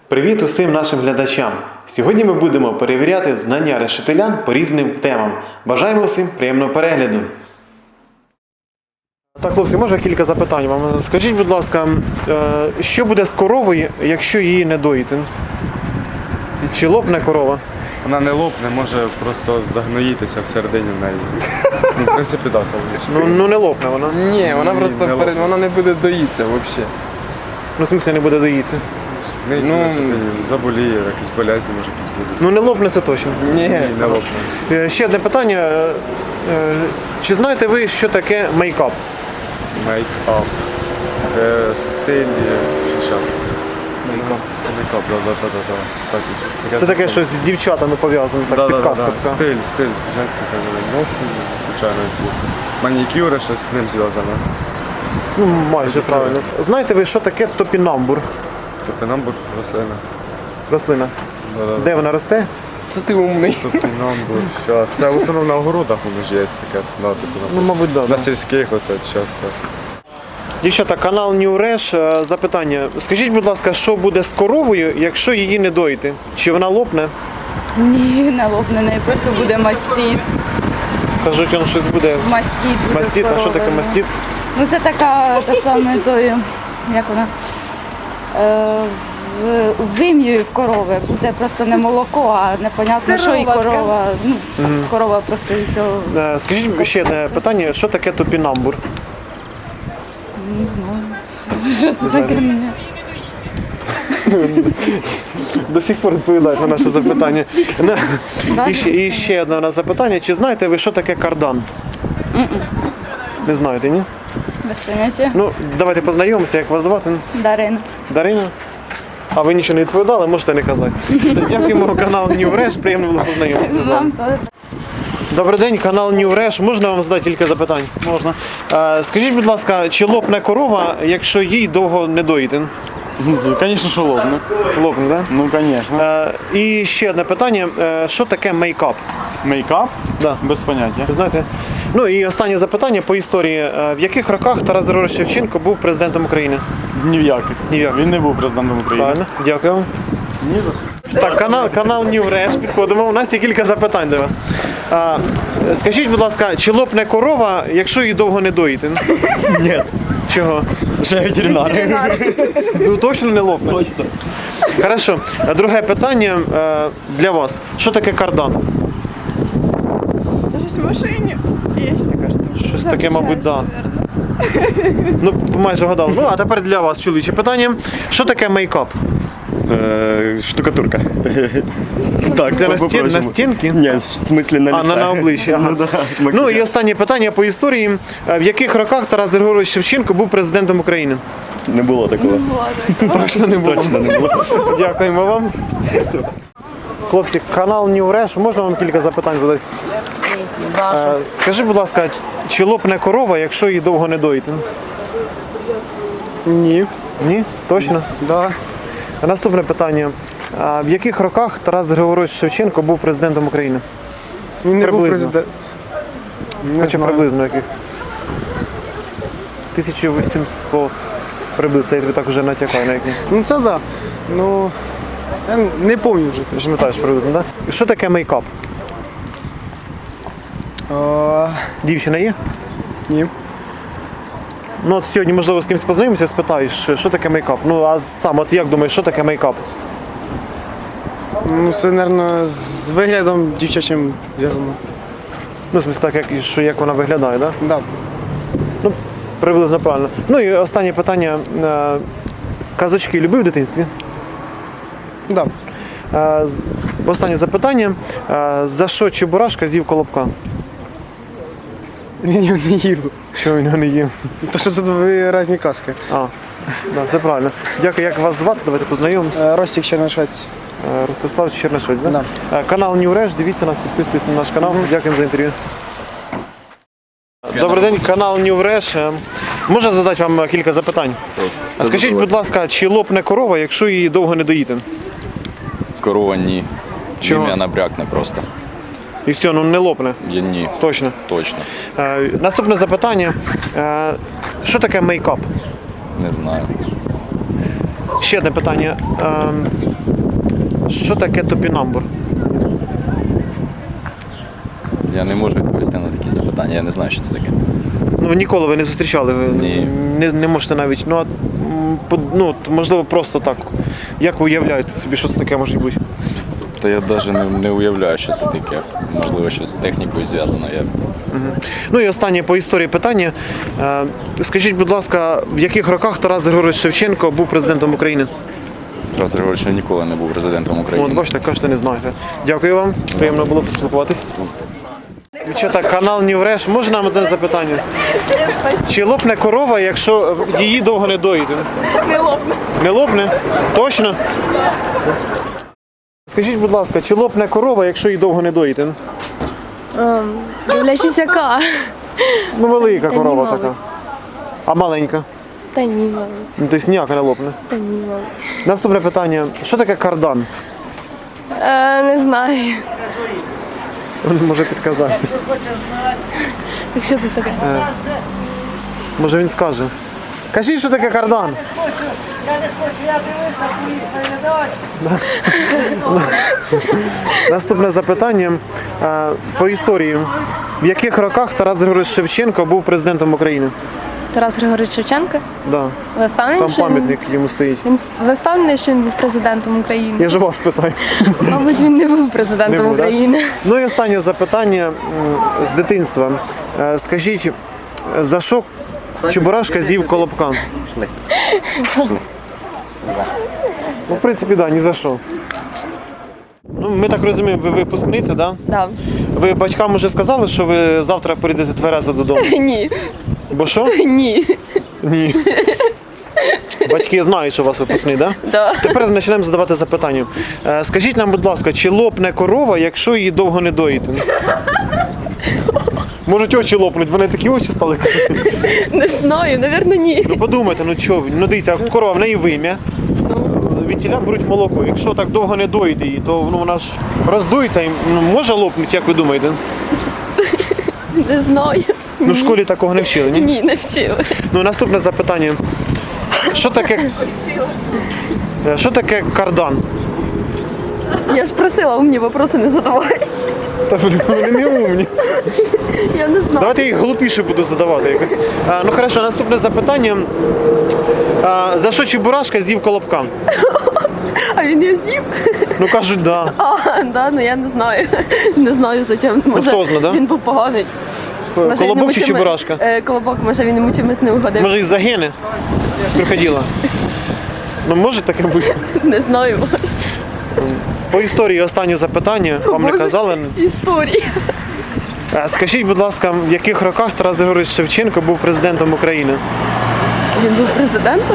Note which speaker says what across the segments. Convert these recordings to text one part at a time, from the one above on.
Speaker 1: Привіт усім нашим глядачам! Сьогодні ми будемо перевіряти знання решетилян по різним темам. Бажаємо всім приємного перегляду! Так, хлопці, можна кілька запитань вам? Скажіть, будь ласка, що буде з коровою, якщо її не доїти? Чи лопне корова?
Speaker 2: Вона не лопне, може просто загноїтися всередині в неї. Ну, в принципі, так, це логічно.
Speaker 1: Ну не лопне вона.
Speaker 3: Ні, вона просто
Speaker 2: не
Speaker 3: вона не буде доїтися взагалі.
Speaker 1: Ну, в смысле, не буде доїтися.
Speaker 2: Заболіє, якісь болезні, може якісь будуть.
Speaker 1: Ну не лопне це точно.
Speaker 3: Ні,
Speaker 2: Не лопне.
Speaker 1: Ще одне питання. Чи знаєте ви, що таке мейкап?
Speaker 2: Мейкап. Стиль. Зараз. Мейкап, да. Кстати,
Speaker 1: Це таке щось з дівчатами пов'язано, так, підказка така.
Speaker 2: Стиль, женський це не звичайно ці. Манікюри, щось з ним зв'язане.
Speaker 1: Ну, майже правильно. Знаєте ви, що таке топінамбур?
Speaker 2: Топінамбур, рослина.
Speaker 1: Рослина.
Speaker 2: Да.
Speaker 1: Де вона росте?
Speaker 3: це ти умний.
Speaker 2: Топінамбур, час. Це в основному на огородах воно ж є таке. Да,
Speaker 1: Ну,
Speaker 2: топінамбур.
Speaker 1: мабуть, так.
Speaker 2: На сільських оце часто.
Speaker 1: Дівчата, канал New Resh, запитання. Скажіть, будь ласка, що буде з коровою, якщо її не доїти? Чи вона лопне?
Speaker 4: Ні, не лопне, неї просто буде мастіт.
Speaker 1: Кажуть, він щось буде.
Speaker 4: Мастіт буде.
Speaker 1: Мастіт, а що таке мастіт?
Speaker 4: Ну це така та саме тою, як вона, в вим'ї в корови буде просто не молоко, а непонятно, що і корова. Ну, корова просто від цього
Speaker 1: Скажіть ще одне питання, що таке топінамбур?
Speaker 4: не знаю. Що це таке мені?
Speaker 1: До сих пор відповідають на наше запитання. І ще одне запитання. Чи знаєте ви, що таке кардан? Не знаєте, ні?
Speaker 4: Без поняття.
Speaker 1: Ну, давайте познайомимося, як вас звати?
Speaker 4: Дарина.
Speaker 1: Дарина? А ви нічого не відповідали, можете не казати. Дякуємо, канал New Resh, приємно було познайомитися з вами.
Speaker 4: Вам теж.
Speaker 1: Добрий день, канал New Resh. Можна вам задати кілька запитань? Можна. Скажіть, будь ласка, чи лопне корова, якщо їй довго не доїти?
Speaker 5: Конечно, что лопну.
Speaker 1: Лопне, так?
Speaker 5: Ну, конечно.
Speaker 1: І ще одне питання. Що таке мейкап?
Speaker 5: Мейкап?
Speaker 1: Да.
Speaker 5: Без поняття.
Speaker 1: Ви знаєте? Ну і останнє запитання по історії. В яких роках Тарас Григорович Шевченко був президентом України?
Speaker 5: Ні в яких.
Speaker 1: Ні в яких.
Speaker 5: Він не був президентом України.
Speaker 1: Правильно, дякую вам.
Speaker 5: Ні за.
Speaker 1: Так, канал New Resh, підходимо. У нас є кілька запитань до вас. Скажіть, будь ласка, чи лопне корова, якщо її довго не доїти?
Speaker 5: Ні.
Speaker 1: Чого?
Speaker 5: Ще ветеринар.
Speaker 1: Ну точно не лопне?
Speaker 5: Точно.
Speaker 1: Хорошо. Друге питання для вас. Що таке кардан?
Speaker 6: Це щось в машині. Є така штука.
Speaker 1: Щось таке, мабуть, так. Ну, майже вгадали. Ну, а тепер для вас, чоловіче питання. Що таке мейкап?
Speaker 5: Штукатурка.
Speaker 1: Так, це на стінки?
Speaker 5: Ні, в смислі на лице.
Speaker 1: На обличчі. Ага. Ну і останнє питання по історії. В яких роках Тарас Григорович Шевченко був президентом України?
Speaker 5: Не було такого.
Speaker 1: Точно не було.
Speaker 5: Точно не було.
Speaker 1: Дякуємо вам. Хлопці, канал New Resh, можна вам кілька запитань задати? Скажи, будь ласка, чи лопне корова, якщо її довго не доїти?
Speaker 3: Ні.
Speaker 1: Ні? Точно?
Speaker 3: Да.
Speaker 1: Наступне питання. В яких роках Тарас Григорович Шевченко був президентом України?
Speaker 3: Він не був
Speaker 1: Приблизно.
Speaker 3: президент.
Speaker 1: Хоча приблизно яких? 1800. Приблизно, я тобі так вже натякаю на яких.
Speaker 3: Ну це да. Ну, я не пам'ятаю вже.
Speaker 1: Ти ж пам'ятаєш приблизно, так? Да? Що таке мейкап? Дівчина є?
Speaker 3: Ні.
Speaker 1: Ну от сьогодні, можливо, з кимось познайомимося, спитаєш, що таке мейкап. Ну а сам, от як думаєш, що таке мейкап?
Speaker 3: Ну це, мабуть, з виглядом дівчачим зв'язано.
Speaker 1: Ну, в смысле, так, як вона виглядає, так? Да?
Speaker 3: Да.
Speaker 1: Ну, приблизно правильно. Ну і останнє питання. Казочки любив в дитинстві?
Speaker 3: Да.
Speaker 1: Останнє запитання. За що Чебурашка з'їв колобка?
Speaker 3: Він його не їв.
Speaker 1: Що він його не їв?
Speaker 3: То що це дві різні казки.
Speaker 1: Да, все правильно. Дякую, як вас звати? Давайте познайомимося.
Speaker 3: Ростик Черношвець.
Speaker 1: Ростислав Чернишвець, да?
Speaker 3: Да.
Speaker 1: Канал New Resh, дивіться нас, підписуйтесь на наш канал. Дякуємо за інтерв'ю. Добрий день, канал New Resh. Можна задати вам кілька запитань? Скажіть, будь ласка, чи лопне корова, якщо її довго не доїти?
Speaker 7: Корова ні.
Speaker 1: Чого?
Speaker 7: Ім'я набрякне просто.
Speaker 1: І все, ну не лопне.
Speaker 7: Ні.
Speaker 1: Точно.
Speaker 7: Точно.
Speaker 1: Наступне запитання. Що таке мейкап?
Speaker 7: Не знаю.
Speaker 1: Ще одне питання. Що таке топінамбур?
Speaker 7: Я не можу відповісти на такі запитання, я не знаю, що це таке.
Speaker 1: Ну, ніколи ви не зустрічали, ви
Speaker 7: Ні.
Speaker 1: не можете навіть. Ну, можливо, просто так. Як ви уявляєте собі, що це таке може бути?
Speaker 7: То я навіть не уявляю, що це таке. Можливо, щось з технікою зв'язано.
Speaker 1: Ну і останнє по історії питання. Скажіть, будь ласка, в яких роках Тарас Григорович Шевченко був президентом України?
Speaker 7: Тарас Григорович ніколи не був президентом
Speaker 1: От,
Speaker 7: України.
Speaker 1: бачите, кажете, не знаєте. Дякую вам, приємно було поспілкуватись. Дівчата, канал Нівреш, може нам одне запитання? Чи лопне корова, якщо її довго не доїти?
Speaker 6: Не лопне.
Speaker 1: Не лопне? Точно? Скажіть, будь ласка, чи лопне корова, якщо її довго не доїти?
Speaker 8: Дивлячись, яка.
Speaker 1: Ну, велика
Speaker 8: Та ні,
Speaker 1: корова
Speaker 8: мабуть.
Speaker 1: така. А маленька?
Speaker 8: Та ні, мабуть.
Speaker 1: Ну, тобто ніяка не лопне.
Speaker 8: Та ні, мабуть.
Speaker 1: Наступне питання. Що таке кардан?
Speaker 8: Не знаю.
Speaker 1: Він може підказати.
Speaker 8: Так що це таке?
Speaker 1: Може він скаже. Кажіть, що таке кардан? Наступне запитання по історії. В яких роках Тарас Григорович Шевченко був президентом України?
Speaker 8: Тарас Григорович Шевченко?
Speaker 1: Да.
Speaker 8: Ви впевнені,
Speaker 1: Там
Speaker 8: що
Speaker 1: пам'ятник йому стоїть.
Speaker 8: ви впевнені, що він був президентом України?
Speaker 1: Я ж вас питаю.
Speaker 8: Мабуть, він не був президентом
Speaker 1: Не був, да?
Speaker 8: України.
Speaker 1: Ну і останнє запитання з дитинства. Скажіть, за що Чебурашка з'їв колобка? Ну, в принципі, да, ні за що. Ну, ми так розуміємо, ви випускниця, так? Да?
Speaker 6: Да.
Speaker 1: Ви батькам вже сказали, що ви завтра прийдете тверезо додому?
Speaker 6: Ні.
Speaker 1: Бо що?
Speaker 6: Ні.
Speaker 1: Ні. Батьки знають, що у вас випускний, так?
Speaker 6: Да.
Speaker 1: Тепер почнемо задавати запитання. Скажіть нам, будь ласка, чи лопне корова, якщо її довго не доїти? Можуть очі лопнуть, вони такі очі стали.
Speaker 6: Не знаю, напевно, ні.
Speaker 1: Ну подумайте, ну чого, ну дивіться, корова в неї вим'я. Від тіля беруть молоко. Якщо так довго не доїти її, то вона ж роздується і може лопнути, як ви думаєте?
Speaker 6: Не знаю.
Speaker 1: Ну в школі такого не вчили, ні?
Speaker 6: Ні, не вчила.
Speaker 1: Ну наступне запитання. Що таке кардан?
Speaker 6: Я ж просила умні вопроси не задавати.
Speaker 1: Та блін, вони не умні.
Speaker 6: Я не знаю.
Speaker 1: Давайте я їх глупіше буду задавати якось. Ну хорошо, наступне запитання. За що Чебурашка з'їв колобка?
Speaker 6: А він її з'їв?
Speaker 1: Ну кажуть, да.
Speaker 6: Да, ну я не знаю. Не знаю зачем. Може,
Speaker 1: хто знає, да?
Speaker 6: він був поганий. Може, він
Speaker 1: Колобок
Speaker 6: йому
Speaker 1: чи
Speaker 6: чимось-
Speaker 1: Чебурашка?
Speaker 6: Колобок, може він йому чимось не угодив.
Speaker 1: Може із-за гени крокодила? Ну може таке бути?
Speaker 6: Не знаю.
Speaker 1: По історії останнє запитання. Вам не
Speaker 6: Боже,
Speaker 1: казали?
Speaker 6: Історії.
Speaker 1: Скажіть, будь ласка, в яких роках Тарас Григорович Шевченко був президентом України?
Speaker 6: Він був президентом?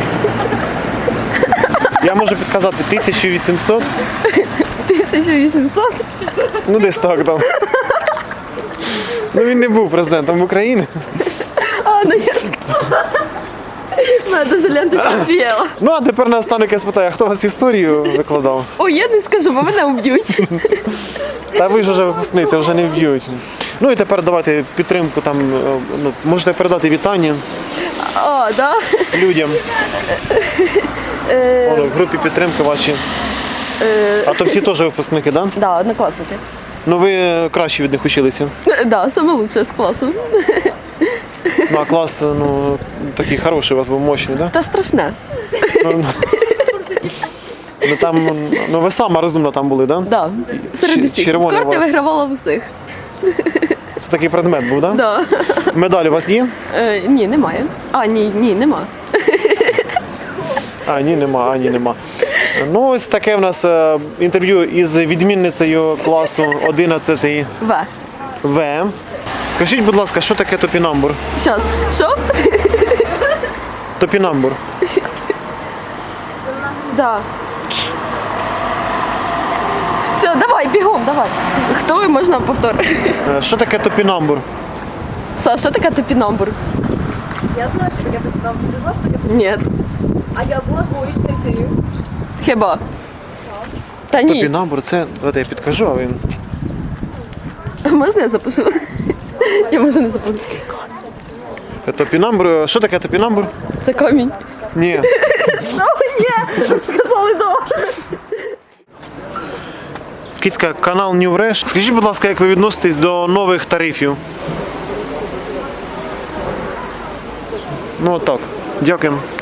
Speaker 1: Я можу підказати 1800,
Speaker 6: 1800?
Speaker 1: ну десь так там. Ну він не був президентом України.
Speaker 6: Ну я ж... Мене дуже ленточка віяла.
Speaker 1: Ну а тепер наостанок я спитаю, а хто вас історію викладав?
Speaker 6: Ой, я не скажу, бо мене вб'ють.
Speaker 1: Та ви ж вже випускниця, вже не вб'ють. Ну і тепер давайте підтримку там, ну, можете передати вітання
Speaker 6: А, да?
Speaker 1: людям. Воно, в групі підтримки ваші. А то всі теж випускники, так? Да?
Speaker 6: Да, однокласники.
Speaker 1: Ну ви краще від них училися.
Speaker 6: Да, саме лучше з класу.
Speaker 1: Ну а клас, ну, такий хороший у вас був, мощний, так?
Speaker 6: Та страшне.
Speaker 1: Ну там, ну ви сама розумна там були, так?
Speaker 6: Да. Серед
Speaker 1: Ч-
Speaker 6: усіх. В
Speaker 1: червоний
Speaker 6: карти
Speaker 1: у вас.
Speaker 6: вигравала в усіх.
Speaker 1: Це такий предмет був, так?
Speaker 6: Да.
Speaker 1: Медаль у вас є?
Speaker 6: Ні, немає. А, ні, нема.
Speaker 1: А, ні, нема. Ну, ось таке в нас інтерв'ю із відмінницею класу 11
Speaker 6: В.
Speaker 1: В. Скажіть, будь ласка, що таке топінамбур?
Speaker 6: Щас. Що?
Speaker 1: Топінамбур.
Speaker 6: Да. Все, давай, бігом, давай. Хто ви, можна повтор?
Speaker 1: Що таке топінамбур?
Speaker 6: Саш, що таке топінамбур?
Speaker 9: Я знаю, що таке топінамбур. Ти знаєш, що таке?
Speaker 6: Ні.
Speaker 9: А я була двоєчницею.
Speaker 6: Хіба? Та ні.
Speaker 1: Топінамбур це, давайте я підкажу, а він.
Speaker 6: Можна я запишу? Я може не запишу.
Speaker 1: Топінамбур. Що таке топінамбур?
Speaker 6: Це камінь.
Speaker 1: Ні.
Speaker 6: Що? Ні. Сказали да.
Speaker 1: Кицька, канал New Fresh. Скажіть, будь ласка, як ви відноситесь до нових тарифів? Ну, так. Дякуємо.